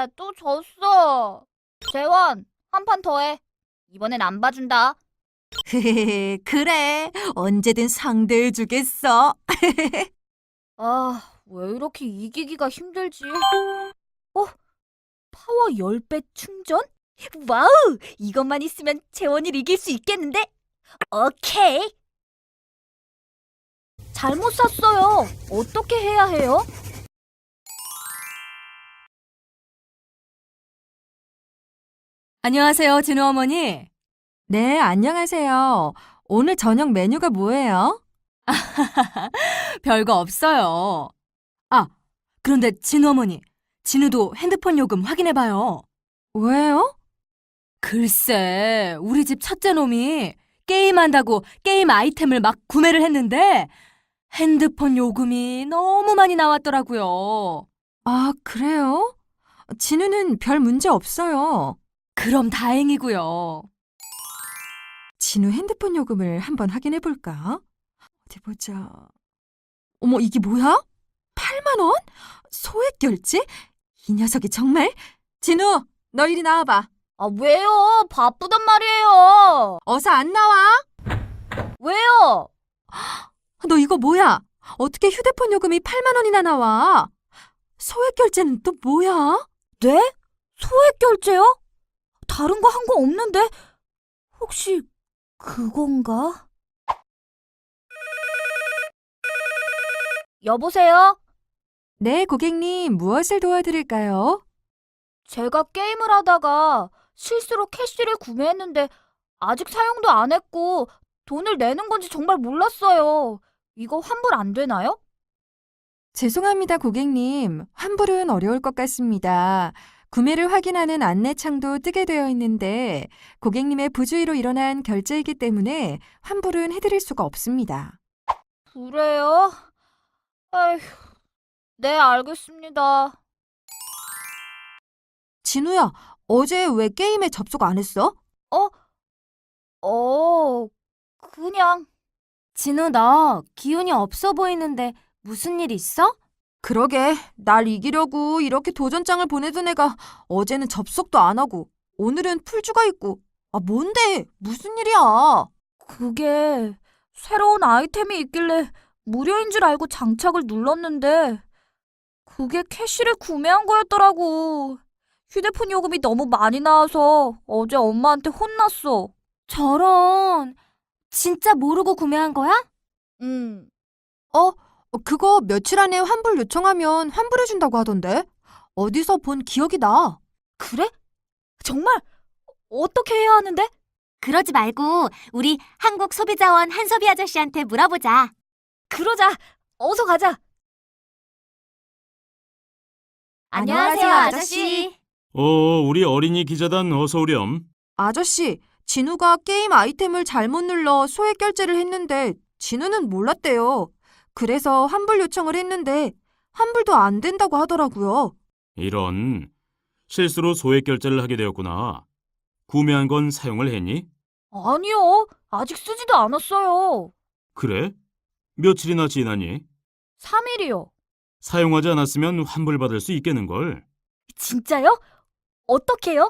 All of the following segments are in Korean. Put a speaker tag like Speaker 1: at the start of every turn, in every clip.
Speaker 1: 또 졌어. 재원, 한 판 더 해. 이번엔 안 봐준다.
Speaker 2: 그래, 언제든 상대해주겠어.
Speaker 1: 아, 왜 이렇게 이기기가 힘들지? 파워 10배 충전? 와우! 이것만 있으면 재원이를 이길 수 있겠는데? 오케이! 잘못 샀어요. 어떻게 해야 해요?
Speaker 3: 안녕하세요, 진우 어머니.
Speaker 2: 네, 안녕하세요. 오늘 저녁 메뉴가 뭐예요?
Speaker 3: 별거 없어요. 아, 그런데 진우 어머니, 진우도 핸드폰 요금 확인해봐요.
Speaker 2: 왜요?
Speaker 3: 글쎄, 우리 집 첫째 놈이 게임한다고 게임 아이템을 막 구매를 했는데 핸드폰 요금이 너무 많이 나왔더라고요.
Speaker 2: 아, 그래요? 진우는 별 문제 없어요.
Speaker 3: 그럼 다행이고요.
Speaker 2: 진우 핸드폰 요금을 한번 확인해 볼까? 어디 보자. 어머, 이게 뭐야? 8만 원? 소액 결제? 이 녀석이 정말? 진우, 너 이리 나와봐.
Speaker 1: 아, 왜요? 바쁘단 말이에요.
Speaker 2: 어서 안 나와?
Speaker 1: 왜요?
Speaker 2: 너 이거 뭐야? 어떻게 휴대폰 요금이 8만 원이나 나와? 소액 결제는 또 뭐야?
Speaker 1: 네? 소액 결제요? 다른 거 한 거 없는데? 혹시 그건가? 여보세요?
Speaker 2: 네, 고객님, 무엇을 도와드릴까요?
Speaker 1: 제가 게임을 하다가 실수로 캐시를 구매했는데 아직 사용도 안 했고 돈을 내는 건지 정말 몰랐어요. 이거 환불 안 되나요?
Speaker 2: 죄송합니다, 고객님. 환불은 어려울 것 같습니다. 구매를 확인하는 안내창도 뜨게 되어 있는데 고객님의 부주의로 일어난 결제이기 때문에 환불은 해드릴 수가 없습니다.
Speaker 1: 그래요? 아휴, 네, 알겠습니다.
Speaker 2: 진우야, 어제 왜 게임에 접속 안 했어?
Speaker 1: 그냥.
Speaker 3: 진우, 너 기운이 없어 보이는데 무슨 일 있어?
Speaker 2: 그러게, 날 이기려고 이렇게 도전장을 보내던 애가 어제는 접속도 안 하고 오늘은 풀주가 있고. 아, 뭔데? 무슨 일이야?
Speaker 1: 그게 새로운 아이템이 있길래 무료인 줄 알고 장착을 눌렀는데 그게 캐시를 구매한 거였더라고. 휴대폰 요금이 너무 많이 나와서 어제 엄마한테 혼났어.
Speaker 3: 저런, 진짜 모르고 구매한 거야?
Speaker 1: 응.
Speaker 2: 그거 며칠 안에 환불 요청하면 환불해준다고 하던데? 어디서 본 기억이 나.
Speaker 1: 그래? 정말? 어떻게 해야 하는데?
Speaker 4: 그러지 말고 우리 한국소비자원 한소비 아저씨한테 물어보자.
Speaker 1: 그러자. 어서 가자.
Speaker 4: 안녕하세요, 아저씨.
Speaker 5: 우리 어린이 기자단 어서 오렴.
Speaker 2: 아저씨, 진우가 게임 아이템을 잘못 눌러 소액 결제를 했는데 진우는 몰랐대요. 그래서 환불 요청을 했는데 환불도 안 된다고 하더라고요.
Speaker 5: 이런, 실수로 소액 결제를 하게 되었구나. 구매한 건 사용을 했니?
Speaker 1: 아니요. 아직 쓰지도 않았어요.
Speaker 5: 그래? 며칠이나 지났니?
Speaker 1: 3일이요.
Speaker 5: 사용하지 않았으면 환불받을 수 있겠는걸.
Speaker 1: 진짜요? 어떻게요?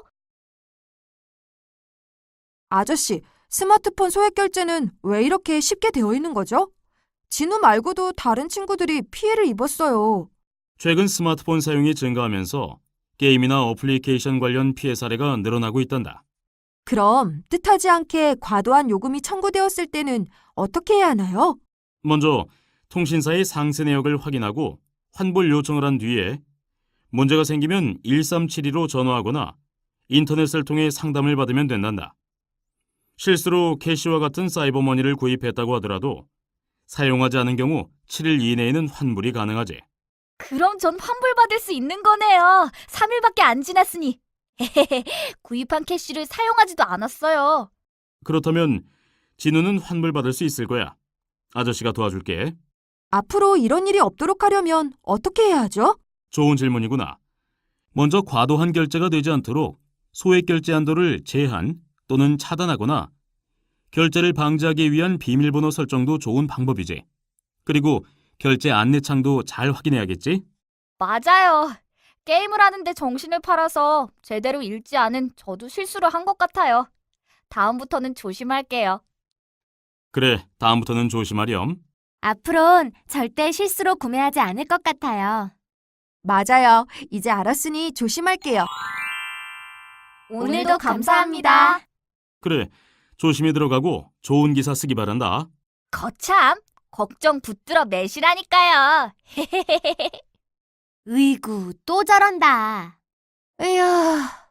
Speaker 2: 아저씨, 스마트폰 소액 결제는 왜 이렇게 쉽게 되어 있는 거죠? 진우 말고도 다른 친구들이 피해를 입었어요.
Speaker 5: 최근 스마트폰 사용이 증가하면서 게임이나 어플리케이션 관련 피해 사례가 늘어나고 있단다.
Speaker 2: 그럼 뜻하지 않게 과도한 요금이 청구되었을 때는 어떻게 해야 하나요?
Speaker 5: 먼저 통신사의 상세 내역을 확인하고 환불 요청을 한 뒤에 문제가 생기면 1372로 전화하거나 인터넷을 통해 상담을 받으면 된단다. 실수로 캐시와 같은 사이버머니를 구입했다고 하더라도 사용하지 않은 경우 7일 이내에는 환불이 가능하지.
Speaker 1: 그럼 전 환불받을 수 있는 거네요. 3일밖에 안 지났으니. 구입한 캐시를 사용하지도 않았어요.
Speaker 5: 그렇다면 진우는 환불받을 수 있을 거야. 아저씨가 도와줄게.
Speaker 2: 앞으로 이런 일이 없도록 하려면 어떻게 해야 하죠?
Speaker 5: 좋은 질문이구나. 먼저 과도한 결제가 되지 않도록 소액 결제 한도를 제한 또는 차단하거나 결제를 방지하기 위한 비밀번호 설정도 좋은 방법이지. 그리고 결제 안내창도 잘 확인해야겠지?
Speaker 1: 맞아요. 게임을 하는데 정신을 팔아서 제대로 읽지 않은 저도 실수를 한 것 같아요. 다음부터는 조심할게요.
Speaker 5: 그래, 다음부터는 조심하렴.
Speaker 4: 앞으론 절대 실수로 구매하지 않을 것 같아요.
Speaker 2: 맞아요. 이제 알았으니 조심할게요.
Speaker 4: 오늘도 감사합니다.
Speaker 5: 그래, 조심히 들어가고 좋은 기사 쓰기 바란다.
Speaker 1: 거참, 걱정 붙들어 매시라니까요.
Speaker 4: 으이구, 또 저런다.
Speaker 2: 에휴,